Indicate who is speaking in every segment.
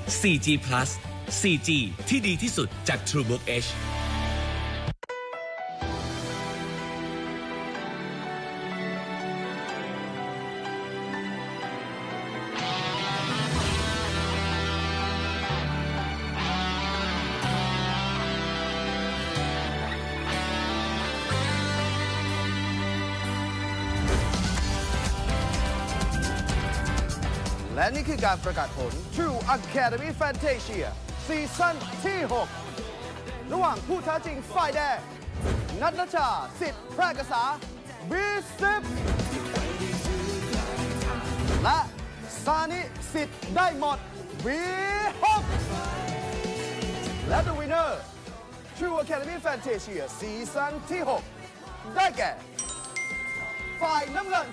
Speaker 1: 4G Plus 4G ที่ดีที่สุดจาก TrueBook H
Speaker 2: และนี่คือการประกาศผล True Academy Fantasia ซีซั่นที่ 6 ระหว่างผู้ท้าชิงฝ่ายแดงนัทนชา สิทธิ์แพร่กษา B10 และซานิ สิทธิ์ได้หมด B6 และ The Winner True Academy Fantasia ซีซั่นที่ 6 ได้แก่ ฝ่ายน้ำเงิน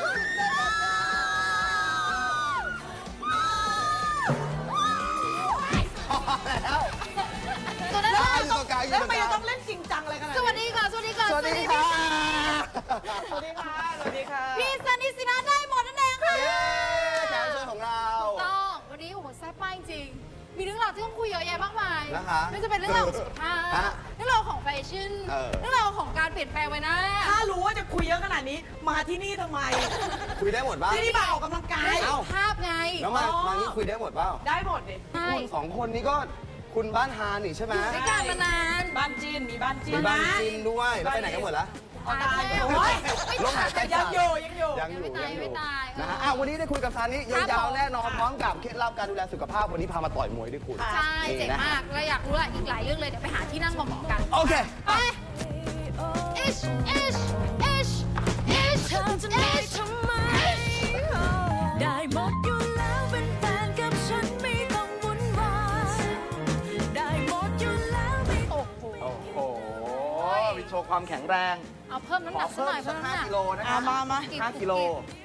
Speaker 3: ตัวนั้น
Speaker 2: ได้อยู่ตรงกลางอยู่
Speaker 3: แล้ว
Speaker 2: ตร
Speaker 3: ทำ
Speaker 2: ง
Speaker 3: ไม
Speaker 2: กลา
Speaker 3: จะ
Speaker 2: ง
Speaker 3: ต้องเล่นจริงจังอะไรขนาด
Speaker 4: สวัสดีค่ะ สวัสดีค่ะ
Speaker 2: สวัสดีค่ะ
Speaker 3: สวัสดีค่ะ สวัสดีค่ะ
Speaker 4: พี่ซันนิสินาได้หมดนั่นเองค่ะ
Speaker 2: เย้แขกรับเชิญของเรา
Speaker 4: ต้องวันนี้โอ้โหแซ่บมากจริง มีเรื่องราวที่ต้องคุยเยอะแยะมากมาย
Speaker 2: นะคะ
Speaker 4: ไม่ว่าจะเป็นเรื่องราวของสุขภาพ
Speaker 2: ฮะ
Speaker 4: เรื่องราวของแฟชั่น เรื่องราวของการเปลี่ยนแปลงไปนะ
Speaker 3: ถ้ารู้ว่าจะคุยเยอะขนาดนี้ มาที่นี่ทำไม
Speaker 2: คุยได้หมดบ้าง
Speaker 3: ที่นี่มาออกกำลังกาย
Speaker 2: เอ้า
Speaker 4: ภาพไง
Speaker 2: แล้วมานี่คุยได้หมดเปล่า
Speaker 3: ได้หมดดิ
Speaker 4: ใช่
Speaker 2: คุณสองคนนี้ก็คุณบ้านฮานี่ใช่ไหม
Speaker 4: อยู่ด้วยกันมานาน
Speaker 3: บ้านจีน มีบ้านจี
Speaker 2: มี
Speaker 3: น
Speaker 2: บ้าน
Speaker 3: นะ
Speaker 2: จีนด้วย แล้วไปไหนกันหมดละ
Speaker 3: เอาตาย
Speaker 4: ไม่
Speaker 3: โอ้ย
Speaker 2: ลมหายใจ
Speaker 3: ยังอยู่ยังอยู่
Speaker 2: ยังอยู่
Speaker 4: ไม่ตาย
Speaker 2: ยังอยู่
Speaker 4: ไม่ตาย
Speaker 2: นะฮะวันนี้ได้คุยกับซานิ
Speaker 4: ครับ
Speaker 2: ยาว
Speaker 4: ผม
Speaker 2: ๆแน่นอนพร้อมกับเคล็ดลับการดูแลสุขภาพวันนี้พามาต่อยมวยด้วยคุณ
Speaker 4: ใช่ เจ๋ง
Speaker 2: นี่นะ
Speaker 4: มากเราอยากรู้อีกหลายเรื่องเลย เดี๋ยวไปหาที่นั่งเหมาะๆกัน
Speaker 2: โอเค
Speaker 4: ไปอิชอิชอิชอิช
Speaker 5: เธอจะได้ทำไม ได้หมดอยู่แล้วเป็นแฟนกับฉันไม่ต้องวุ่นวายได้หมดอยู่แล้วไม่
Speaker 4: โอ้โห
Speaker 2: โอ้โหมีโชว์ความแข็งแรง
Speaker 4: เอาเพิ่มน้ำหนักสักหน่อย
Speaker 2: สั
Speaker 4: เพิ่
Speaker 2: ก
Speaker 4: มน้ำหนั
Speaker 2: 5
Speaker 4: ก
Speaker 2: กิโลนะค
Speaker 3: อ่ะ
Speaker 2: รับ
Speaker 3: มา
Speaker 2: 5กิโล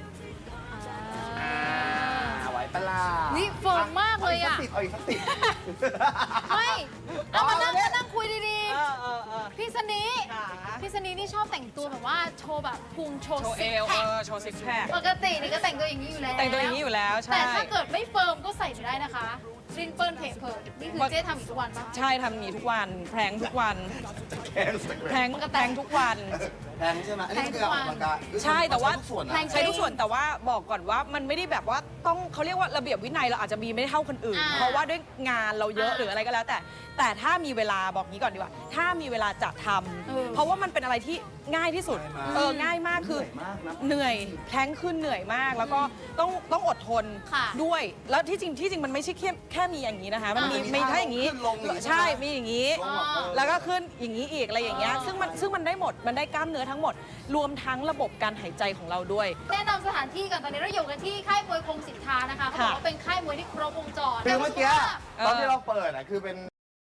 Speaker 2: ไหวปะล่ะ
Speaker 4: นี่เฟิร์มมากเลยอะ
Speaker 2: เอาอีกสักสิบ
Speaker 4: ไม่ เอามานั่งคุยดี
Speaker 3: เออ
Speaker 4: ๆ พี่สนี
Speaker 3: ค่ะ
Speaker 4: พี่สนีนี่ชอบแต่งตัวแบบว่าโชว์แบบพุงโชว์
Speaker 3: โชว์เอ
Speaker 4: ซิก
Speaker 3: ว
Speaker 4: แพค
Speaker 3: โชว์ซิกแพค
Speaker 4: ปกตินี่ก็แต่งตัวอย่างนี้อยู่แล้ว
Speaker 3: แต่งตัวอย่างนี้อยู่แล้ว ใช่
Speaker 4: แต่ถ้าเกิดไม่เฟิร์มก็ใส่ไม่ได้นะคะรินเปิลเพจเพิร์นี่คือเจ๊ทำอีกทุกวันปะ
Speaker 3: ใช่ทำอย่างนี้ทุกวัน แพรงทุกวัน
Speaker 2: แข็งสัก
Speaker 3: แพรงแพรงทุกวัน
Speaker 2: แข็งใช่ไหมอันนี้คือออกกำลังกาย
Speaker 3: ใช่แต่ว่า
Speaker 2: ทุกส่วนนะ
Speaker 3: ใช้ทุกส่วนแต่ว่าบอกก่อนว่ามันไม่ได้แบบว่าต้องเขาเรียกว่าระเบียบวินัยเราอาจจะมีไม่เท่าคนอื่น เพราะว่าด้วยงานเราเยอะหรืออะไรก็แล้ว แต่ถ้ามีเวลาบอกงี้ก่อนดีกว่า ถ้ามีเวลาจะทำเพราะว่ามันเป็นอะไรที่ง่ายที่สุดง่ายมากคือเหนื่อยแพลงขึ้นเหนื่อยมาก แล้วก็ต้องอดทนด้วย แล้วที่จริงมันไม่ใช่แค่มีอย่างนี้นะคะมันมีถ้าอย่างนี้ใช่มีอย่างนี้ แล้วก็ขึ้นอย่างนี้อีกอะไรอย่างเงี้ยซึ่งมันได้หมดมันได้กล้ามเนื้อทั้งหมด รวมทั้งระบบการหายใจของเราด้วย
Speaker 4: แนะนำสถานที่กันตอนนี้เราอยู่กันที่ค่ายมวยคงสินค้านะคะเขาบอกว่าเป็นค่ายมวยที่ครบวงจร
Speaker 2: คือเมื่อกี้ตอนที่เราเปิดอ่ะคือเป็น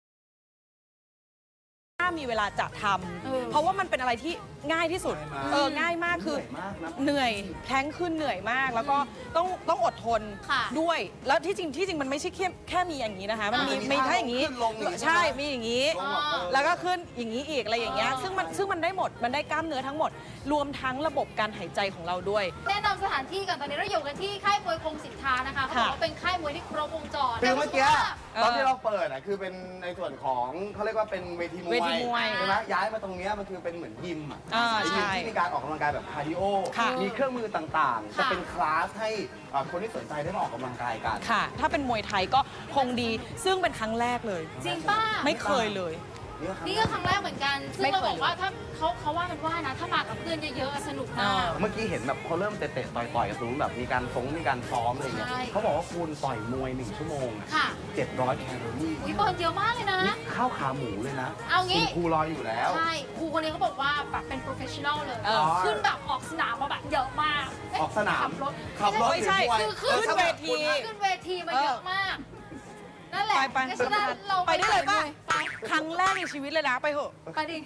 Speaker 3: ถ้ามีเวลาจะทำเพราะว่ามันเป็นอะไรที่ง่ายที่สุดง่ายมากคือเหนื่อยแพลงขึ้นเหนื่อยมาก แล้วก็ต้องอดทนด้วย แล้วที่จริงมันไม่ใช่แค่มีอย่างนี้นะคะมันมีถ้าอย่างนี้ใช่มีอย่างนี้ แล้วก็ขึ้นอย่างนี้อีกอะไรอย่างเงี้ยซึ่งมันได้หมดมันได้กล้ามเนื้อทั้งหมด รวมทั้งระบบการหายใจของเราด้วย
Speaker 4: แนะนำสถานที่กันตอนนี้เราอยู่กันที่ค่ายมวยคงสินค้านะคะเขาบอกว่าเป็นค่ายมวยที่ครบวงจร
Speaker 2: คือเมื่อกี้ตอนที่เราเปิดอ่ะคือเป็นในส่วนของเขาเรียกว่าเป็นเวทีมวย
Speaker 3: เวทีมวย
Speaker 2: ใช่ไหมย้ายมาตรงเนี้ยมันคือเป็นเหมือนยิมอ่ะ
Speaker 3: ใช่
Speaker 2: ยิมที่มีการออกกำลังกายแบบคาร์ดิโอ
Speaker 3: ค่ะ
Speaker 2: มีเครื่องมือต่างๆ จะเป็นคลาสให้คนที่สนใจได้มาออกกำลังกายกัน
Speaker 3: ค่ะ ถ้าเป็นมวยไทยก็คงดี ซึ่งเป็นครั้งแรกเลย
Speaker 4: จริงป้า
Speaker 3: ไม่เคยเลย
Speaker 4: นี่ก็ครั้งแรกเหมือนกัน ซึ่ง
Speaker 3: ไม่
Speaker 4: เรา
Speaker 3: เคย
Speaker 4: บอกว่าถ้าเขาว่ากันว่านะ ถ้ามากับเพื่อนเยอะๆสนุกมาก
Speaker 2: เมื่อกี้เห็นแบบเขาเริ่มเตะๆต่อยๆกันตรงนู้นแบบมีการมีการซ้อมอะไรเงี้ย
Speaker 4: ใช่
Speaker 2: เขาบอกว่าคุณต่อยมวย1 ชั่วโมงอะ
Speaker 4: ค่ะ
Speaker 2: 700 แคลอรี่
Speaker 4: วิเบิร์นเยอะมากเลยนะ
Speaker 2: นี่ข้าวขาหมูเลยนะ
Speaker 4: เอางี้
Speaker 2: คุณครูรออยู่แล้ว
Speaker 4: ใช่ ครูคนนี้เขาบอกว่าแบบเป็น professional เลย
Speaker 3: เออ
Speaker 4: ขึ้นแบบออกสนามมาแบบเยอะมากเะ
Speaker 2: ออกสนาม
Speaker 4: ขับรถ
Speaker 3: ไม่ใช่
Speaker 2: หรือมวย
Speaker 4: คือขึ้น
Speaker 3: เวที
Speaker 4: ขึ้นเวทีมาเยอะมาก นั่นแหละ
Speaker 3: ไป
Speaker 4: งั้นฉะนั้นเรา
Speaker 3: ไปได้เลยป่ะ
Speaker 4: ไป
Speaker 3: ครั้งแรกในชีวิตเลยนะไปเถอะ
Speaker 4: ไปดิ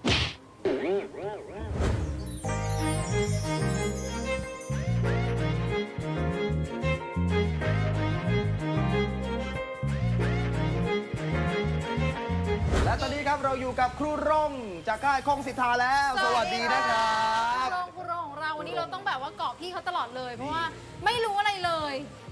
Speaker 2: และตอนนี้ครับเราอยู่กับครูร่งจากค่ายคงสิทธาแล้ว สวัสดีนะครับ
Speaker 4: ครูโรงของเราวันนี้เราต้องแบบว่าเกาะพี่เขาตลอดเลย เพราะว่าไม่รู้อะไรเลย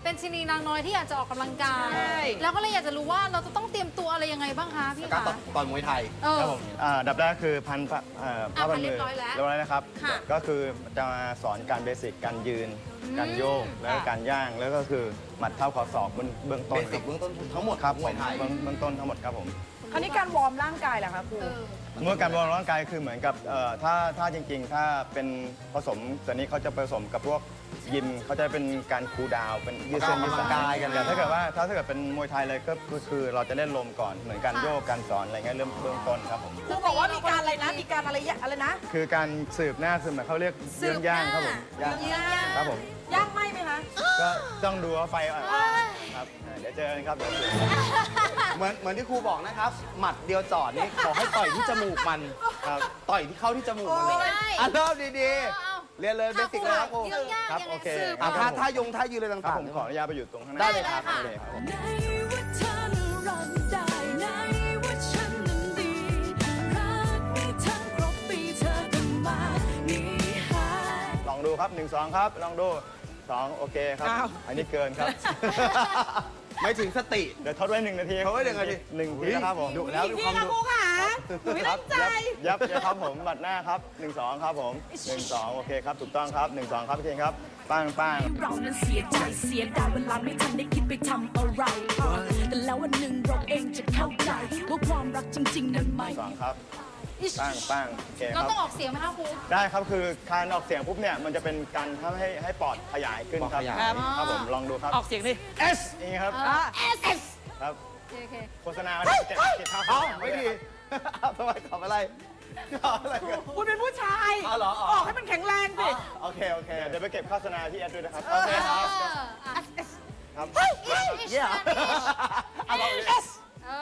Speaker 4: เป็นชนีนางน้อยที่อยากจะออกกำลังกาย
Speaker 3: ใช่
Speaker 4: แล้วก็เลยอยากจะรู้ว่าเราจะต้องเตรียมตัวอะไรยังไงบ้างคะพี่
Speaker 2: การ
Speaker 4: คะ
Speaker 2: ต่อยมวยไทย
Speaker 6: ครับผมอันดับแรกคือพันผ้า
Speaker 4: พัน
Speaker 6: มื
Speaker 4: เรียบร้อยแล้ว
Speaker 6: เรียบร้อยนะครับ
Speaker 4: ค่ะ
Speaker 6: ก็คือจะมาสอนการเบสิกการยืน การโยกแล้วก็การย่างแล้วก็คือหมัดเท้าเข่าศอกเบื้องต้
Speaker 2: เบ
Speaker 6: น
Speaker 2: สิกเบื้องต้นทั้งหมด
Speaker 6: ครับ
Speaker 2: ม
Speaker 6: ผ
Speaker 2: วย
Speaker 6: ม
Speaker 2: ไทย
Speaker 6: เบื้องต้นทั้งหมดครับผม
Speaker 3: คราวนี้การวอร์มร่างกายล่ะคะครู
Speaker 6: เมื่อการวอร์มร่างกายคือเหมือนกับถ้าจริงๆ ถ้าเป็นผสมตัวนี้เขาจะผสมกับพวกยิมเขาจะเป็นการคูลดาวน์เป็นยืดเส้นยืดสายแต่ถ้าเกิดว่าถ้าเกิดเป็นมวยไทยเลยก็คือเราจะเล่นลมก่อนเหมือนการโยกการสอนอะไรเงี้ยเริ่มเบื้องต้นครับผม
Speaker 3: ครูบอกว่ามีการอะไรนะ มีการอะไรนะ
Speaker 6: คือการสืบหน้าคือหมายเขาเรียกเรื่องย่างครับผมย่าง
Speaker 3: ย่าง
Speaker 6: ครับผม
Speaker 3: ย่างไหมไหมคะ
Speaker 6: ก็ต้องดูว่าไฟอ่อนครับเดี๋ยวเจอกันครับเดี๋ยวเจอกัน
Speaker 2: เหมือนที่ครูบอกนะครับ หมัดเดียวจอดนี่ขอให้ต่อยที่จมูกมัน
Speaker 6: ครับ
Speaker 2: ต่อยที่เข้าที่จมูกมันเลย
Speaker 4: ไม่ได้
Speaker 2: อ่ะเริ่มดี
Speaker 4: เอา
Speaker 2: ๆ เรียนเลยเบสิกเลยครับครู
Speaker 4: เรื่องยาก
Speaker 6: ครับ
Speaker 4: ยังไง
Speaker 6: โอเค
Speaker 4: สืบ
Speaker 2: อ่ะ
Speaker 6: ครั
Speaker 2: ท่า
Speaker 6: บ
Speaker 2: ท่ายงท่ายืนอะไร
Speaker 6: ครับ
Speaker 2: ต่าง
Speaker 6: ผมขออนุญาตไปอยู่ตรงข้างหน้า
Speaker 2: ได้เลยครับ
Speaker 6: โอเคครับผม
Speaker 5: ไหนว่าเธอนั้นรักได้ไหนว่าฉันนั้นดีรักไม่ทั้งครบปีเธอก็มาหนีหาย
Speaker 6: ลองดูครับ 1 2 ครับ ลองดู 2 โอเคครับ
Speaker 3: อ้าว
Speaker 6: อันนี้เกินครับ
Speaker 2: ไม่ถึงสติ
Speaker 6: เดี๋ยวทดไว้1 นาที
Speaker 2: ทดไว้1 นาที
Speaker 6: หนึ่งทีนะครับผม
Speaker 2: ดุแล้ว
Speaker 3: อีกทีค่ะครูค่ะหนูไม่ตั้งใจ
Speaker 6: ยับครับผมบัดหน้าครับ 1 2 ครับผม 1 2 โอเคครับ ถูกต้องครับ 1 2 ครับพี่เองครับป้างป้าง
Speaker 5: เรานั้นเสียใจเสียดายเวลาไม่ทันได้คิดไปทำอะไรแต่แล้ววันหนึ่งเราเองจะเข้าใจว่าความรักจริงๆนั้นไม่
Speaker 6: 2 ครับป้างป้างโอเคค
Speaker 4: เรา
Speaker 6: รับ
Speaker 4: ต้องออกเสียงไหมคะครู
Speaker 6: ได้ครับคือการออกเสียงปุ๊บเนี่ยมันจะเป็นการทำให้ปอดขยายขึ้นครับ
Speaker 2: ปอดขยาย
Speaker 6: ครับผมลองดูครับ
Speaker 3: ออกเสียงดิ
Speaker 6: S นี่ครับ
Speaker 3: S
Speaker 6: ครับ
Speaker 4: โอเค
Speaker 6: โฆษณาเก็บข้าว
Speaker 2: เอ้าไม่ดีเอาทำไมขำอะไรขำอะไรกัน
Speaker 3: คุณเป็นผู้ชาย
Speaker 2: อ๋อเหรออ๋อ
Speaker 3: ออกให้มันแข็งแรงสิ
Speaker 2: โอเคโอเค
Speaker 6: เดี๋ยวไปเก็บโฆษณาที่แอดด้วยนะครับ
Speaker 2: โอเคครับ
Speaker 6: ครับ
Speaker 2: เยี่ยมเอาบอกเลย
Speaker 3: S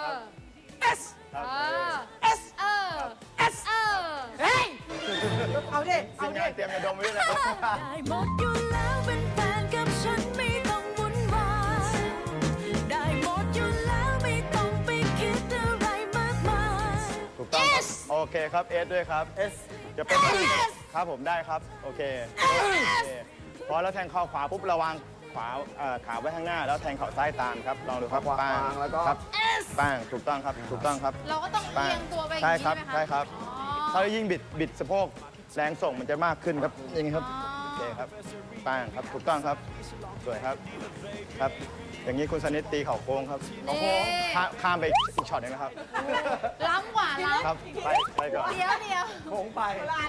Speaker 3: S
Speaker 6: ครับ
Speaker 3: S
Speaker 4: S
Speaker 3: เฮ้ย เอาดิ
Speaker 6: ที
Speaker 3: เอา
Speaker 6: ม
Speaker 3: ดิ
Speaker 6: งานเตรียมยาดมไว้ด้วยนะครับ
Speaker 5: ได้หมดอยู่แล้วเป็นแฟนกับฉันไม่ต้องวุ่นวายได้หมดอยู่แล้วไม่ต้องไปคิดอะไรมากมาย
Speaker 6: ถูกต้องครับโอเคครับเอสด้วยครับ
Speaker 2: S
Speaker 6: จะเป็นครับผมได้ครับโอเคพอแล้วแทงเข่าขวาปุ๊บระวังขวาขาไว้ข้างหน้าแล้วแทงเข่าซ้ายตามครับลองดูครับ
Speaker 2: ขวา
Speaker 6: ป้าง
Speaker 2: แล้วก็
Speaker 6: ครับป้างถูกต้องครับถูกต้องครับ
Speaker 4: เราก็ต้องเอียงตัวไปอย่าง
Speaker 6: ใช่
Speaker 4: นี้
Speaker 6: ครับ
Speaker 4: ใช่ไหมคะ
Speaker 6: ใช่ครับ
Speaker 4: อ๋อ
Speaker 6: ถ้ายิ่งบิดสะโพกแรงส่งมันจะมากขึ้นครับอย่างนี้ครับ
Speaker 4: อ๋อ
Speaker 6: โอเคครับป้างครับถูกต้องครับสวยครับครับ อย่างนี้คุณสนิทตีเข่าโค้งครับ
Speaker 4: นี่
Speaker 6: ข้ามไปอีกช็อตหนึงนะครับ
Speaker 4: ล้ำกว่าล้
Speaker 6: ครับไปก่อน
Speaker 4: ำเดี๋ยว
Speaker 2: โค้งไป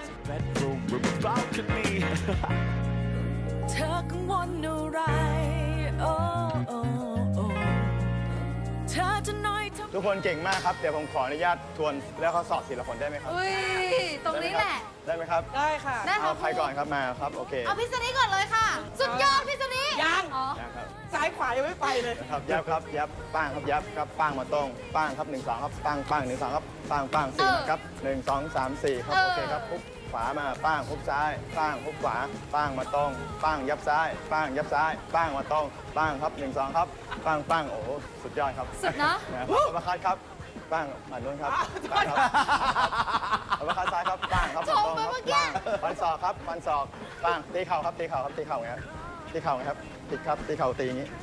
Speaker 5: เธอกังวลอะไรโอ้โอ้โอ้เธอจะน้อยทำ
Speaker 6: ทุกคนเก่งมากครับเดี๋ยวผมขออนุญาตทวนแล้วเขาสอบทีละคนได้ไหมครับ
Speaker 4: อุ้ย ตรงนี้แหละ
Speaker 6: ได้ไหมครับ
Speaker 3: ได้ค่ะ
Speaker 4: ได้
Speaker 6: เอาใครก่อนครับมาครับโอเค
Speaker 4: เอาพิษณีก่อนเลยค่ะ สุดยอดพิษณี
Speaker 3: ยัง
Speaker 4: อ๋อ
Speaker 6: นะครับ
Speaker 3: ซ้ายขวายังไม่ไปเลย
Speaker 6: นะครับยับครับยับป้างครับยับครับป้างมาตรงป้างครับ1 2ครับป้างป้าง1 2ครับป้างป้าง4นะครับ1 2 3 4ครับโอเคครับปุ๊บขวามาป้างปุ๊บซ้ายป้างปุ๊บขวาป้างมาตรงป้างยับซ้ายป้างยับซ้ายป้างมาตรงป้างครับ1 2ครับป้างป้างโอ้โหสุดยอดครับ
Speaker 4: สุดเนอะ
Speaker 6: นะครับมาคัดครับป้างมาโน้นครับป้างครับเอามาคัดซ้ายครับป้างครับ
Speaker 4: ชมไป
Speaker 6: ตรง
Speaker 4: เมื่อ
Speaker 6: ค
Speaker 4: กี้
Speaker 6: รับฟันศอกครับฟันศอกป้างตีเข่าครับตีเข่าครับตีเข่าไงครับตีเข่าไงครับตีครับตีเข่าตีอย่างนี้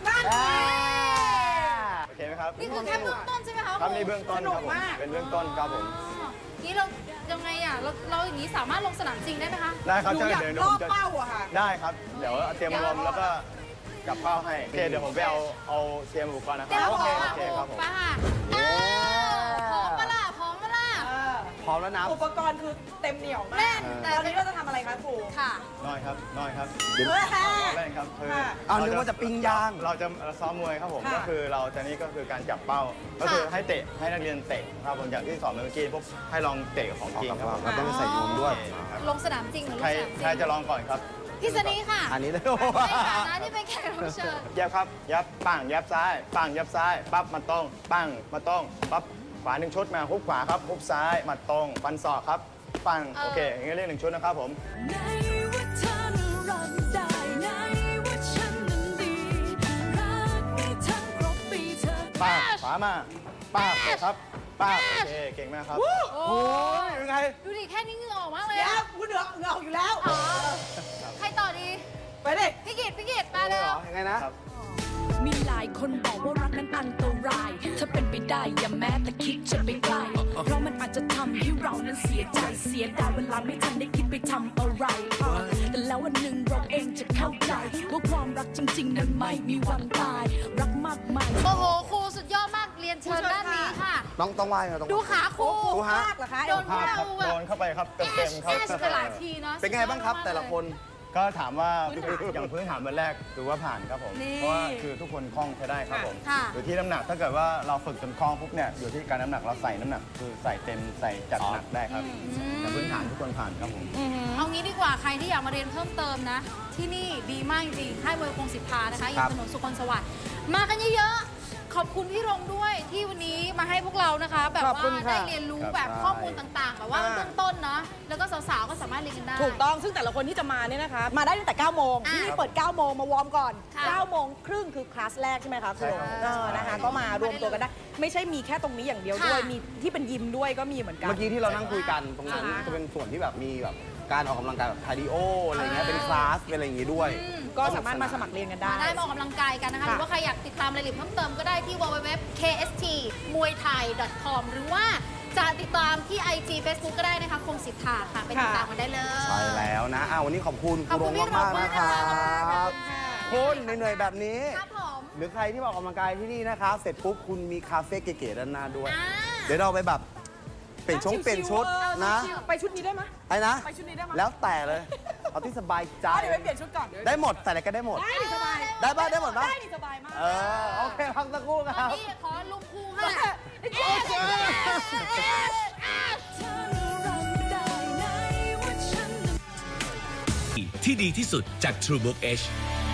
Speaker 6: โอเคไหมครับ
Speaker 4: นี่คือแค่เบื้องต้นใช่ไหมคะ
Speaker 6: ครับนี่เบื้องต้นครับผม
Speaker 3: สนุกมาก
Speaker 6: เป็นเบื้องต้นครับผม
Speaker 4: อ๋อนี่เรายังไงอ่ะ เราอย่างนี้สามารถลงสนามจริงได้ไหมคะ
Speaker 6: ได้ครับ
Speaker 3: หนูอยาก
Speaker 6: เดี๋ยว
Speaker 3: ล่อ
Speaker 6: ผมจะ
Speaker 3: เป้าอะค่ะ
Speaker 6: ได้ครับเดี๋ยวเตรียมรวมแล้วก็กลับเป้าให้โอเคเดี๋ยวผมไปเอาเตรียมอุปกรณ์นะค
Speaker 4: เดี๋ยว
Speaker 6: รับ
Speaker 4: เรา
Speaker 6: โอ
Speaker 4: พ
Speaker 6: เค
Speaker 4: ร้อม
Speaker 6: โอเคครับผม
Speaker 4: ป้าพร้อมปะล่ะพร้อมปะล่ะ
Speaker 2: พร้อมแล้วนะ
Speaker 3: อุปกรณ์คือเต็มเหนียวมา
Speaker 4: แน่
Speaker 3: ก
Speaker 4: นแต่
Speaker 3: ตอนนี้เราจะทำอะไรคะครู
Speaker 4: ค่ะ
Speaker 6: น้อยครับน้อยครับ
Speaker 3: เฮ้ย
Speaker 6: เล่นครับคือ
Speaker 2: เอานึกว่าจะปิ้งย่าง
Speaker 6: เราจะซ้อมมวยครับผม
Speaker 3: ค่ะ
Speaker 6: ก็คือเราจะนี่ก็คือการจับเป้า ก็คือให้เตะให้นักเรียนเตะครับผมอย่างที่สอนเมื่อกี้พวกให้ลองเตะกับของจริงครับผม
Speaker 2: เราต้องใส่นวมด้วย
Speaker 6: โอเคครับ
Speaker 4: ลงสนามจริงหรือลง
Speaker 6: ใคร
Speaker 4: สนามจริง
Speaker 6: ใครจะลองก่อนครับ
Speaker 4: พี่สนีค่ะ
Speaker 2: อันนี้เลย
Speaker 4: ในฐานะที่เป็นแขกรับเชิญ
Speaker 6: ยับครับยับปังยับซ้ายปังยับซ้ายปั๊บมาตรงปังมาตรงปั๊บขวา1 ชุดมาฮุบขวาครับฮุบซ้ายมาตรงฟันศอกครับปังโอเคอย่างนี้เรียก1 ชุดนะครับผม
Speaker 5: ไหนว่าเธอนั้นรักได้ไหนว่าฉันนั้นดีรักไม่ทั้งครบปีเธอก็
Speaker 6: ป้าขวามาป้าบครับป้าบโอเคเก่งมากครับ
Speaker 4: โอ้
Speaker 2: โอ้ยยังไง
Speaker 4: ดูดิแค่นี้เหงื่อออกมากเลย
Speaker 3: เดี๋ยว
Speaker 4: อะ
Speaker 3: คุณเหนือออกอยู่แล้ว
Speaker 4: อ๋อใครต่อดี
Speaker 3: ไปดิ
Speaker 4: พี่กิตมาเลย
Speaker 2: ยังไงนะ
Speaker 6: ครับ
Speaker 5: มีหลายคนบอกว่ารักนั้นอันตรายถ้าเป็นไปได้อย่าแม้แต่คิดจะไปใกล้เพราะมันอาจจะทำให้เรานั้นเสียใจเสียดายเวลาไม่ทันได้คิดไปทำอะไรแต่แล้ววันหนึ่งเราเองจะเข้าใจว่าความรักจริงๆนั้นไม่มีวันตายรักมากมาย
Speaker 4: โอ้โหครูสุดยอดมากเรียนเชิญด้านนี้ค่ะ
Speaker 6: ต้องไหว้ครับต้อง
Speaker 4: ดูขาครู
Speaker 6: ดูฮะ
Speaker 3: เหรอคะ
Speaker 4: โดนพวกเรา
Speaker 6: โดนเข้าไปครับเต็มๆครับ
Speaker 4: แอชไปหลายทีเนาะ
Speaker 6: เป็นไงบ้างครับแต่ละคน ก็ถามว่าอย่างพื้นฐานวันแรกถือว่าผ่านครับผม
Speaker 3: นี่
Speaker 6: เพราะว่าคือทุกคนคล่องใช้ได้ครับผม
Speaker 4: ค่ะ
Speaker 6: อยู่ที่น้ำหนักถ้าเกิดว่าเราฝึกจนคล่องปุ๊บเนี่ยอยู่ที่การน้ำหนักเราใส่น้ำหนักคือใส่เต็มใส่จัดหนักได้ครับแต่พื้นฐานทุกคนผ่านครับผม
Speaker 4: เอางี้ดีกว่าใครที่อยากมาเรียนเพิ่มเติมนะ ที่นี่ดีมากจริงๆค่ายมวยคงสิทธานะคะอยู่ถนนสุขนสวัสดิ์มากันเยอะๆขอบคุณพี่รงด้วยที่วันนี้มาให้พวกเรานะคะ แบบ
Speaker 3: ขอบ
Speaker 4: ว่า
Speaker 3: คุณค่ะ
Speaker 4: ได้เรียนรู้
Speaker 6: ครับ
Speaker 4: แบบข้อมูลต่างๆแบบว่าเบื้องต้นเนาะแล้วก็สาวๆก็สามารถเรียนกันได้
Speaker 3: ถูกต้องซึ่งแต่ละคนที่จะมาเนี่ยนะคะ มาได้ตั้งแต่ 9 โมง
Speaker 4: อ่ะ
Speaker 3: ที่นี่เปิด 9 โมงมาวอร์มก่อน
Speaker 4: ค่ะ
Speaker 3: 9 โมงครึ่งคือคลาสแรกใช่ไหมคะครู
Speaker 6: ใช่ครับ
Speaker 3: นะคะก็มารวมตัวกันได้ ไม่ใช่มีแค่ตรงนี้อย่างเดียวด้วย
Speaker 4: ค่ะ
Speaker 3: มีที่เป็นยิมด้วยก็มีเหมือนกัน
Speaker 7: เมื่อกี้ที่เรานั่งคุยกันตรงนั้น
Speaker 3: อ่า
Speaker 7: จะเป็นส่วนที่แบบมีแบบการออกกำลังกายแบบคาร์ดิโออะไรเงี้ยเป็นคลาสเป็นอะไรอย่างงี้ด้วย
Speaker 3: ก็สามารถมาสมัครเรียนกันได้
Speaker 4: มาได้มาออกกำลังกายกันนะคะ ห
Speaker 3: ค่ะ
Speaker 4: รือว่าใครอยากติดตามรายละเอียดเพิ่มเติมก็ได้ที่ www.kstmuaythai.com หรือว่าจะติดตามที่ IG Facebook ก็ได้นะคะคงสิทธาค่ะไปติดตามกันได้เลย
Speaker 7: ใช่แล้วนะวันนี้ขอบคุณ
Speaker 4: ขอบคุณพี่
Speaker 7: มาก
Speaker 4: รอง
Speaker 7: ๆนะค
Speaker 4: มาก
Speaker 7: รั
Speaker 4: นะคะ
Speaker 7: บคุณเหนื่อยๆแบบนี้
Speaker 4: ครับผม
Speaker 7: หรือใครที่มาออกกำลังกายที่นี่นะครับเสร็จปุ๊บคุณมีคาเฟ่เก๋ๆด้านหน้าด้วย
Speaker 4: อ่า
Speaker 7: เดี๋ยวเราไปแบบเปลี่ยนชุดนะ
Speaker 3: ไปชุดนี้ได้ไหม
Speaker 7: ไอ้นะ
Speaker 3: ไปชุดนี้ได้ไหม
Speaker 7: แล้วแต่เลย เอาที่สบายใจ
Speaker 3: เดี๋ยวไปเปลี่ยนชุดก่อน
Speaker 7: ได้หมดใส่อะไรก็ได้หมด
Speaker 3: ได้ดิสบาย
Speaker 7: ได้ป่ะได้หมดป่ะ
Speaker 3: ได้ดิสบายมาก
Speaker 7: โอเคพักสักครู่ครับ
Speaker 4: นี่ขอลุงครูค่ะ
Speaker 5: เธอรับได้ไหนว่าฉัน
Speaker 1: ที่ดีที่สุดจาก TrueBook H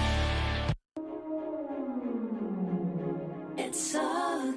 Speaker 5: It's so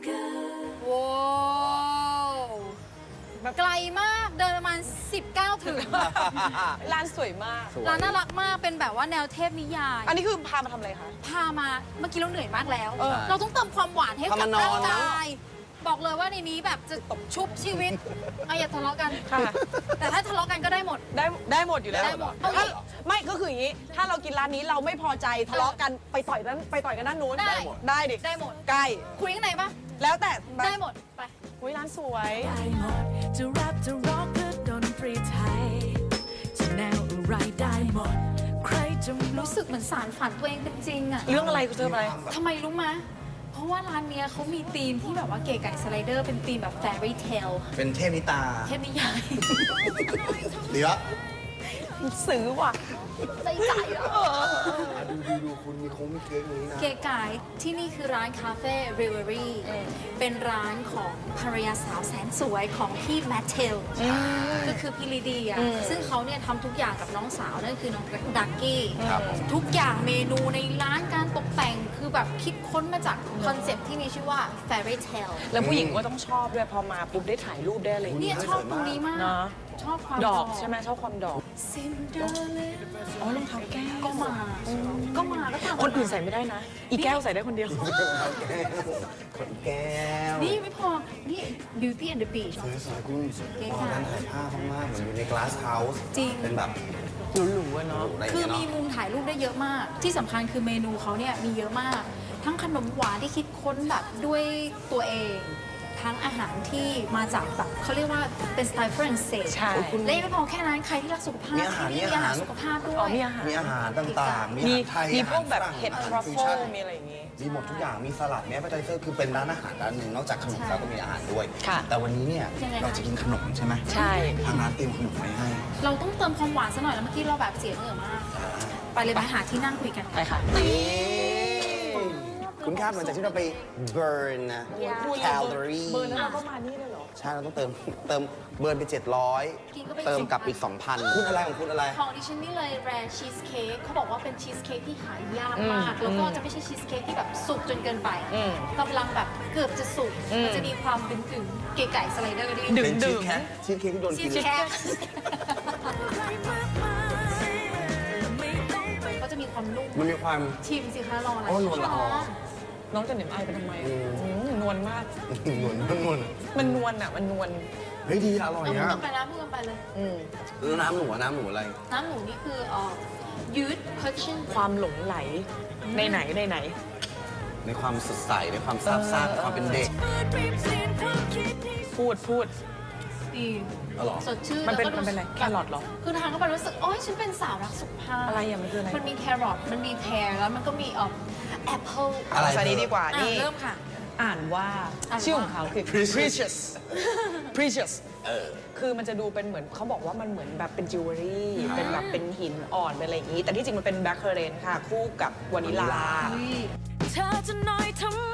Speaker 5: good
Speaker 4: ว้าวไกลมากเดินประมาณ 19 ถึง
Speaker 3: ร้านสวยมาก
Speaker 4: ร้านน่ารักมากเป็นแบบว่าแนวเทพนิยาย
Speaker 3: อันนี้คือพามาทำอะไรคะ
Speaker 4: พามาเมื่อกี้เราเหนื่อยมากแล้ว
Speaker 3: เออ
Speaker 4: เราต้องเติมความหวานให้
Speaker 7: พา
Speaker 4: กับ
Speaker 7: มานอน
Speaker 4: ร่าง
Speaker 7: นะ
Speaker 4: กายบอกเลยว่าในนี้แบบจะชุบชีวิตอย่าทะเลาะกัน
Speaker 3: ค่ะ
Speaker 4: แต่ถ้าทะเลาะกันก็ได้หมด
Speaker 3: ได้หมดอยู่แล้ว
Speaker 4: ได้หมด
Speaker 3: ถ้าไม่ก็คืออย่างนี้ ถ้าเรากินร้านนี้เราไม่พอใจทะเลาะกันไปต่อยกันด้านนู้น
Speaker 4: ได้
Speaker 3: ได้ดิ
Speaker 4: ได้หมด
Speaker 3: ใกล้
Speaker 4: คุยข้างในปะ
Speaker 3: แล้วแต่
Speaker 4: ได้หมดไป
Speaker 3: อุ๊ยร้านสวย
Speaker 5: ได้หมดจะแรปจะร็อกหรือดนตรีไทยจะแนวอะไรได้หมด ใครจะรู้
Speaker 4: รู้สึกเหมือนสารฝันตัวเองเป็นจริงอะ
Speaker 3: เรื่องอะไรคุณเจออะไร
Speaker 4: ทำไมรู้มะเพราะว่าร้านเนี้ยเขามีธีมที่แบบว่าเก๋ไก่สไลเดอร์เป็นธีมแบบ fairy tale
Speaker 7: เป็นเทพนิตา
Speaker 4: เทพนิยาย
Speaker 7: ดีละ
Speaker 3: ซื้อว่ะ
Speaker 4: ใจใจอะ
Speaker 7: ดูคุณมีเค้กนี้นะ
Speaker 4: เก๋ไก่ที่นี่คือร้านคาเฟ่ริเวอรี่เป็นร้านของภรรยาสาวแสนสวยของพี่แมทเทลก็คือพี่ลีเดียซึ่งเขาเนี่ยทำทุกอย่างกับน้องสาวนั่นคือน้องดักกี้
Speaker 7: ครับ
Speaker 4: ทุกอย่างเมนูในร้านการตกแต่งคือแบบคิดค้นมาจากคอนเซ็ปต์ที่มีชื่อว่า fairy tale
Speaker 3: แล้วผู้หญิงก็ต้องชอบด้วยพอมาปุ๊บได้ถ่ายรูปได้อะไรอย่าง
Speaker 4: เนี่
Speaker 3: เงี้ย
Speaker 4: ยชอบตรงนี้มาก
Speaker 3: เนอะ
Speaker 4: ชอบความ
Speaker 3: ดอกใช่ไหมชอบความดอก
Speaker 4: ซินเดอเรล
Speaker 3: อ๋อรองเท้าแก้ว
Speaker 4: ก็มาก็ตาม
Speaker 3: คนอื่นใส่ไม่ได้นะ อีแก้วใส่ได้คนเดียว
Speaker 7: คนแก้ว
Speaker 4: นี่ไม่พอ นี่ Beauty and the Beast
Speaker 7: สวยคุณ
Speaker 4: เก๋
Speaker 7: ต
Speaker 4: ไก่
Speaker 7: อนนั้นถ่ายภาพมากๆเหมือนอยู่ใน glass house
Speaker 4: จริง
Speaker 7: เป็นแบบ
Speaker 3: หรูๆอะเนาะ
Speaker 7: อะไรอย่าง
Speaker 4: คือ
Speaker 7: เงี้ย
Speaker 4: มี
Speaker 7: เนาะ
Speaker 4: มุมถ่ายรูปได้เยอะมาก ที่สำคัญคือเมนูเขาเนี่ยมีเยอะมาก ทั้งขนมหวานที่คิดค้นแบบด้วยตัวเอง ทั้งอาหารที่มาจากแบบเขาเรียกว่าเป็นสไตล์ฝรั่งเศส
Speaker 3: ใช่
Speaker 4: และยังไม่พอแค่นั้นใครที่รักสุขภาพ
Speaker 7: มีอาหาร
Speaker 4: ที่นี่
Speaker 7: มี
Speaker 4: มี
Speaker 7: อา
Speaker 4: อา
Speaker 7: หา
Speaker 4: หาร รสุขภาพด้ว
Speaker 3: อ๋อย มีอาหาร
Speaker 7: มีอาหารต่างๆ มี
Speaker 3: มี
Speaker 7: อาหารไทย
Speaker 3: มีพวก
Speaker 7: อาหาร
Speaker 3: แบบ
Speaker 7: ฝรั่ง
Speaker 3: เห็ด
Speaker 7: อาหาร
Speaker 3: ทรัฟ
Speaker 7: ฟิว
Speaker 3: เฟิ
Speaker 7: ชั่
Speaker 3: ล
Speaker 7: น
Speaker 3: มีอะไรอย่างงี้
Speaker 7: มีหมดทุกอย่าง มีสลัด มีแอปเปอร์ไทเซอร์ คือเป็นร้านอาหารร้านหนึ่ง นอกจากขนมแล้วก็มีอาหารด้วย
Speaker 3: ค่ะ
Speaker 7: แต่วันนี้เนี่ย
Speaker 4: ยังไงคะ
Speaker 7: เราจะกินขนมใช่ไหม
Speaker 3: ใช่
Speaker 7: ทางร้านเตรียมขนมไว้ให้
Speaker 4: เราต้องเติมความหวานซะหน่อยแล้วเมื่อกี้เราแบบเสียเหงื่อมาก ไปเลยไปหาที่นั่งคุยกัน
Speaker 3: ไปค่ะ
Speaker 7: คุณคาดหลังจากที่เราไป burn นะ แคลอรี่
Speaker 3: เบอร์นั้นเราก็มานี่เลยเหรอ
Speaker 7: ใช่ เราต้องเติมเบิร์นไป
Speaker 4: กินก็ไป
Speaker 7: 700 เติมกลับอีก 2,000 คุณอะไรของคุณอะไร
Speaker 4: ของดิฉันนี่เลยแรร์ชีสเค้กเขาบอกว่าเป็นชีสเค้กที่หายากมาก แล้วก็จะไม่ใช่ชีสเค้กที่แบบสุกจนเกินไปกำลังแบบเกือบจะสุก มันจะมีความดึงๆเก๋ไก่สไลเดอร์ด้วย
Speaker 3: ดึง
Speaker 7: เป็นชีสเค้กชีสเค้กที่โดน
Speaker 4: ชี
Speaker 7: กิ
Speaker 4: ส
Speaker 7: นเลย
Speaker 4: เค้ก
Speaker 5: ไม่ต้องไป
Speaker 4: ก็จะมีความนุ่ม
Speaker 7: มันมีความ
Speaker 4: ชิมสิคะรออะไร
Speaker 7: โอ้นวลละออ
Speaker 3: น้องจะเหน็บไอายไปทำไมนวลมาก
Speaker 7: นวลนวล
Speaker 3: มันนวลอ่ะ มันนวล
Speaker 7: เฮ้ยดีอร่อย
Speaker 4: เอาพูด
Speaker 7: นะ
Speaker 4: กันไปนะพูดกันไปเลย
Speaker 7: แล้วน้ำหนูอะไร
Speaker 4: น้ำหมูนี่คือยืด cushion
Speaker 3: ความหลงไหลในไหน
Speaker 7: ในความสดใสในความซาบซ่านในความเป็นเด็ก
Speaker 3: พูด
Speaker 4: ดี
Speaker 7: อ๋อเหรอ
Speaker 4: สดชื่น
Speaker 3: มันเป็น
Speaker 4: แล้วก็
Speaker 3: มันเป็นอะไรแครอทเหรอ
Speaker 4: คือทานเข้าไปรู้สึกโอ๊ยฉันเป็นสาวรักสุขภาพ
Speaker 3: อะไรอ่ะมันคืออะไร
Speaker 4: มันมีแครอทมันมีแพรแล้วมันก็มีแอปเปิล
Speaker 7: อะไร
Speaker 3: สวัสดีดีกว่า
Speaker 4: นี่
Speaker 3: นี่
Speaker 4: เริ่มค่ะ
Speaker 3: อ่านว่า
Speaker 4: อ่านว่า
Speaker 3: ชื่อของเขาคือ
Speaker 7: Precious
Speaker 3: precious คือมันจะดูเป็นเหมือนเขาบอกว่ามันเหมือนแบบเป็นจิวเวลรี่เป็นแบบเป็นหินอ่อนเป็นอะไรอย่างนี้ แต่ที่จริงมันเป็นแบล็คเคอร์เรนค่ะ คู่กับวานิลา
Speaker 5: เธอจะน้อยทำไม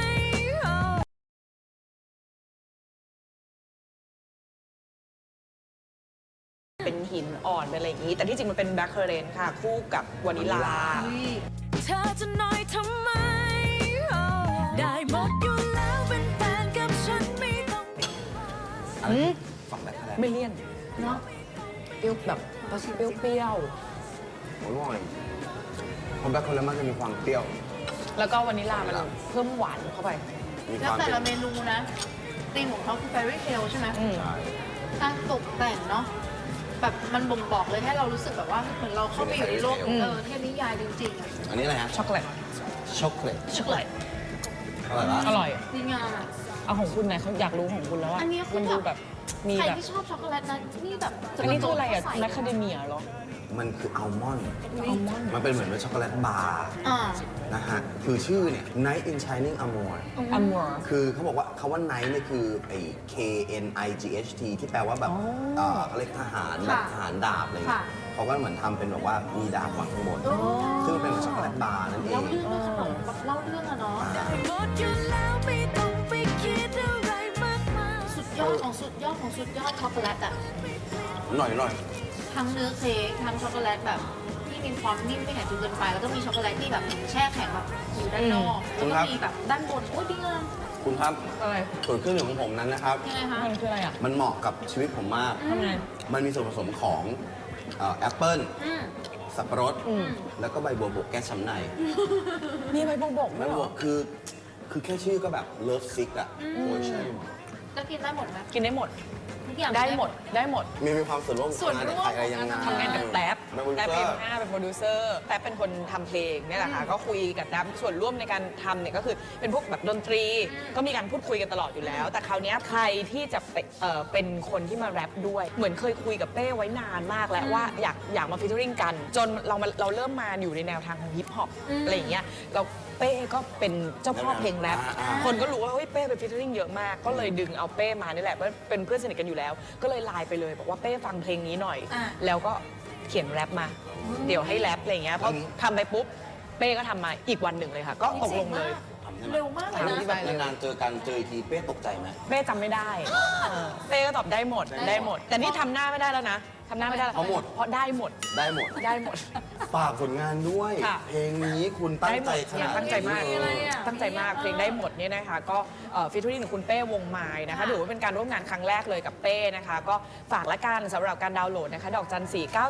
Speaker 3: เป็นหินอ่อนเป็นอะไรอย่างนี้ แต่ที่จริงมันเป็นแบล็คเคอร์เรนค่ะ คู่กับวานิลา
Speaker 5: เธอจะน้อยทำไม ได้หมดอยู่แล้วเป็นแฟนกับฉันไม่ต้อง
Speaker 7: อะไรฝั่งแบบอะไร
Speaker 3: ไม่เลี่ยน
Speaker 4: เนาะ
Speaker 3: เปรี้ยวแบบเปรี้ยว
Speaker 7: โอ้ยว่าไงเพราะแบล็คโคลามันจะมีความเปรี้ยว
Speaker 3: ๆแล้วก็วานิลามันเพิ่มหวานเข้าไป
Speaker 7: มีค
Speaker 4: แล้ว
Speaker 7: วาม
Speaker 4: แต่
Speaker 7: เป็น
Speaker 4: ละเมนูนะธีมของเขาคือ fairy tale ใช่ไหม
Speaker 7: ใช่
Speaker 4: การตกแต่งเนาะแบบมันบ่งบอกเลยให้เรารู้สึกแบบว่าเหมือนเราเข้าไปอยู่ในโลกเทพนิยายจริงๆอะ
Speaker 7: อันนี้อะไรฮะ
Speaker 3: ช็อกโกแลต
Speaker 7: ช็อกโกแลต
Speaker 3: ช็อกโกแลต
Speaker 7: อร่อยปะ
Speaker 3: อร่อย
Speaker 4: ดีงามอะ
Speaker 3: เอาของคุณไหนเขาอยากรู้ของคุณแล้วอะ
Speaker 4: อันนี้คือ
Speaker 3: มันดูแบบมี
Speaker 4: ใคร
Speaker 3: แบบ
Speaker 4: ที่ชอบช็อกโกแลตนะนี่แบบจ
Speaker 3: อันนี้คืออะไรอะ
Speaker 4: ใส่
Speaker 3: แมคคาเดเมียเหรอ
Speaker 7: มันคืออัลมอนด์
Speaker 3: อัลมอนด์
Speaker 7: มันเป็นเหมือนเป็นช็อกโกแลตบาร์
Speaker 4: อ่า
Speaker 7: นะฮะ คือชื่อเนี่ย Night in Shining Armor
Speaker 3: อัมมอร์
Speaker 7: คือเขาบอกว่าคำว่า Night เนี่ยคือไอ้ K N I G H T ที่แปลว่าแบบเขาเรียกทหารแบบทหารดาบอะไรเงี้ยเขาก็เหมือนทำเป็นแบบว่ามีดาบวางข้างบน ซึ่งเป็นช็อกโกแลตบาร์นั่นเอ
Speaker 4: เล่าง เรื่องด้วยขนมแบบเล่าเรื่องอะเนาะ
Speaker 5: หมดอยู่แล้วไม่ต้องไปคิดอะไรมากมาย
Speaker 4: สุดยอดของสุดยอดของสุดยอดช็อกโกแลตอะ
Speaker 7: หน่อย
Speaker 4: ทั้งเนื้อเค้กทั้งช็อกโกแลตแบบที่มีความนิ่มไม่แข็งจนเกินไป แล้วก็มีช็อกโกแลตที่แบบแช่แข็งแบบอยู่ด้านนอกแล้วก็มีแบบด้านบนโอ้ยดีงาม
Speaker 7: คุณครับ
Speaker 3: อะไร
Speaker 7: ส่วนเครื่องดื่มของผมนั้นนะครับ
Speaker 4: ยังไงคะ
Speaker 3: มันคืออะไรอะ
Speaker 7: มันเหมาะกับชีวิตผมมาก
Speaker 3: ทำไง
Speaker 7: มันมีส่วนผสมของแอปเปิ้ล
Speaker 4: อืม
Speaker 7: สับปะรด แล้วก็ใบบัวบกแก้ช้ำใน
Speaker 3: มีใบบ่งบอก
Speaker 7: ใบ
Speaker 3: ด้วยเหร
Speaker 7: บัว
Speaker 3: อ
Speaker 7: คือแค่ชื่อก็แบบเลิฟซิกอ่ะโอ้ยใช่
Speaker 4: แล้วกินได้หมดไหม
Speaker 3: กินได้หมด
Speaker 4: ทุกอย่าง
Speaker 3: ได้หมด ได้หมด
Speaker 7: มีความส่วนร่วม
Speaker 4: ส่วนร่วม
Speaker 7: อะไรยังไง
Speaker 3: ทำงานกับแท็บ
Speaker 7: แม่บุญ
Speaker 3: แท็บ
Speaker 7: เซอ
Speaker 3: เอ็ม
Speaker 7: ร์
Speaker 3: ห้าเป็นโปรดิวเซอร์แท็บเป็นคนทำเพลงเนี่ยแหละค่ะ ก็คุยกับแท็บส่วนร่วมในการทำเนี่ยก็คือเป็นพวกแบบดนตรี ก็มีการพูดคุยกันตลอดอยู่แล้ว แต่คราวเนี้ยใครที่จะเป็นคนที่มาแรปด้วย เหมือนเคยคุยกับเป้ไว้นานมากแล้วว่าอยากมาฟีเจอริงกัน จนเราเริ่มมาอยู่ในแนวทางของฮิปฮอปอะไรอย่างเงี้ยเราเป้ก็เป็นเจ้าพ่อเพลงแรปคนก็รู้ว่าเฮ้ยเป้เป็นฟีเจอริงเยอะมาก ก็เลยดึงเอาเป้มานี่แหละว่าเป็นเพื่อนสนิทกันอยู่แล้ว ก็เลยไลน์ไปเลยบอกว่าเป้ฟังเพลงนี้หน่อย แล้วก็เขียนแรปมา เดี๋ยวให้แรปอะไรอย่างเงี้ยพอทำไปปุ๊บเป้ก็ทำมาอีกวันหนึ่งเลยค่ะ ก็ตกลงเลย
Speaker 4: เร็วมากเลย
Speaker 7: ทำ
Speaker 4: นะ
Speaker 7: ที่แบบนานๆเจอกันเจออีกทีเป้ตกใจไหม
Speaker 3: เป้จำไม่ได้เป้ก็ตอบได้หมดได้หมด แต่นี่ทำหน้าไม่ได้แล้วนะทำหน้าไม่ได้แล้ว
Speaker 7: เพราะหมด
Speaker 3: เพราะได้หมด
Speaker 7: ได้หมด
Speaker 3: ได้หมด
Speaker 7: ฝากผลงานด้วย
Speaker 3: ค่ะ
Speaker 7: เพลงนี้คุณตั้งใจขนาด
Speaker 3: ตั้งใจมาก
Speaker 7: นี้เลย
Speaker 3: ตั้งใจมากเพลงได้หมดเนี่ยนะคะก็ฟีเจอริ่งของคุณเป้วงไม้นะคะถือว่าเป็นการร่วมงานครั้งแรกเลยกับเป้นะคะก็ฝากละกันสำหรับการดาวน์โหลดนะคะดอกจัน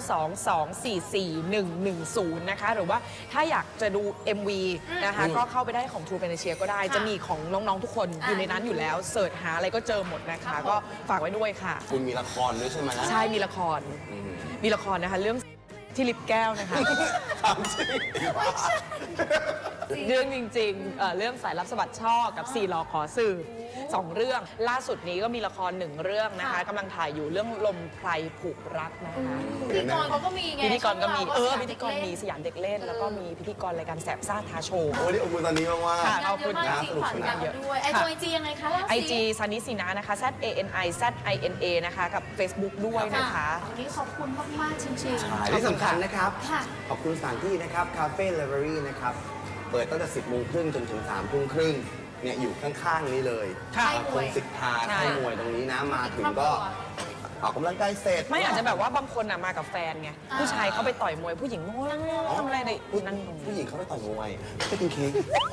Speaker 3: 492244110 นะคะหรือว่าถ้าอยากจะดู MV นะคะก็เข้าไปได้ของ True Panacea ก็ได้จะมีของน้องๆทุกคนอยู่ในนั้นอยู่แล้วเสิร์ชหาอะไรก็เจอหมดนะคะก็ฝากไว้ด้วยค่ะ
Speaker 7: คุณมีละครด้วยใช่ไหม
Speaker 3: ใช่มีละครนะคะเรื่องที่ลิปแก้วนะคะ
Speaker 7: ถามจริง
Speaker 3: เรื่องจริงๆเรื่องสายลับสะบัดช่อกับ4ล้อขอสืบ2 เรื่องล่าสุดนี้ก็มีละคร1 เรื่องนะคะกำลังถ่ายอยู่เรื่องลมไพรผูกรักนะคะ
Speaker 4: พิธีกรเขาก็มีไง
Speaker 3: พิธีกรก็มี
Speaker 4: ช่องเรา
Speaker 3: พิธีกรมีสยามเด็กเล่น แล้วก็มีพิธีกรรายการแสบซ่าท้าโชว์
Speaker 7: โอ้ยนี่อบอุ่นตอนนี้มาก
Speaker 3: ค่ะ
Speaker 7: ๆ
Speaker 4: งานเยอะมากจริง
Speaker 7: นะ
Speaker 4: ฝันกันด้วยไอจียังไงคะเล่าสิ
Speaker 3: IG ซันนิสีนานะคะ ZANIZINA นะคะกับ Facebook ด้วยนะคะ
Speaker 4: วันนี้ขอบคุณมากๆจริง
Speaker 7: ใช่ที่สำคัญนะครับ
Speaker 4: ค่ะ
Speaker 7: ขอบคุณสถานที่นะครับคาเฟ่เลเวอรี่นะครับ เปิดตั้งแต่ 10 โมงครึ่งจนถึง 3 ทุ่มครึ่งเนี่ยอยู่ข้าง ๆ นี้เลย
Speaker 3: ค่ะ
Speaker 7: คงสิทธา
Speaker 3: ใช่
Speaker 7: ค่ายมวยตรงนี้นะมาถึงก็ออกกำลังกายเสร็จ
Speaker 3: ไม่อาจจะแบบว่าบางคนมากับแฟนไงผู้ชายเขาไปต่อยมวยผู้หญิงโง่ทำอะไรในนั่น
Speaker 7: ผู้หญิงเขาไปต่อยมวยไปกินเค้ก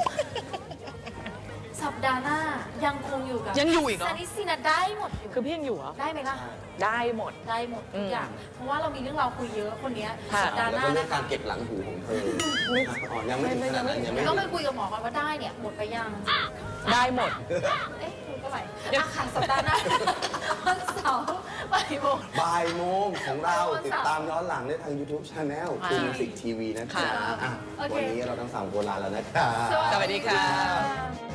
Speaker 4: สัปดาห์หน้ายังคงอยู่กับ
Speaker 3: ยังอยู่อีกเหรอ
Speaker 4: ซันนิสินะได้หมดอยู่
Speaker 3: คือพี่ยังอยู่เหรอ
Speaker 4: ได้ไหมล่ะ
Speaker 3: ได้หมด
Speaker 4: ได้หมดทุกอย่าง เพราะว่าเรามีเรื่องราวคุยเยอะคนเนี้ย
Speaker 3: ค่ะ
Speaker 4: สัปดาห์ห
Speaker 7: แล้ว
Speaker 4: น้า
Speaker 7: ก็เรื่อ
Speaker 4: นะ
Speaker 7: งการเก็บหลังหูของเธออ๋อยังไม่ถึงขนาดนั้นยังไม่
Speaker 4: ต้องไปคุยกับหมอก่อนว่าได้เนี่ยหมดไปยัง
Speaker 3: ได้หมด
Speaker 4: เอ๊ะคุยเท่าไหร่อ่ะค่ะสัปดาห์หน้าวันเสาร์บ่ายโมง
Speaker 7: บ่ายโมงของเราติดตามย้อนหลังได้ทาง YouTube Channel ทูมิวสิกทีวีนะจ๊ะ
Speaker 3: ค่ะ
Speaker 7: อ่ะ
Speaker 4: โอเค
Speaker 7: วันนี้เราทั้ง3 คนลาแล้วนะครับ
Speaker 3: สวัสดีค่ะ
Speaker 4: ค่ะ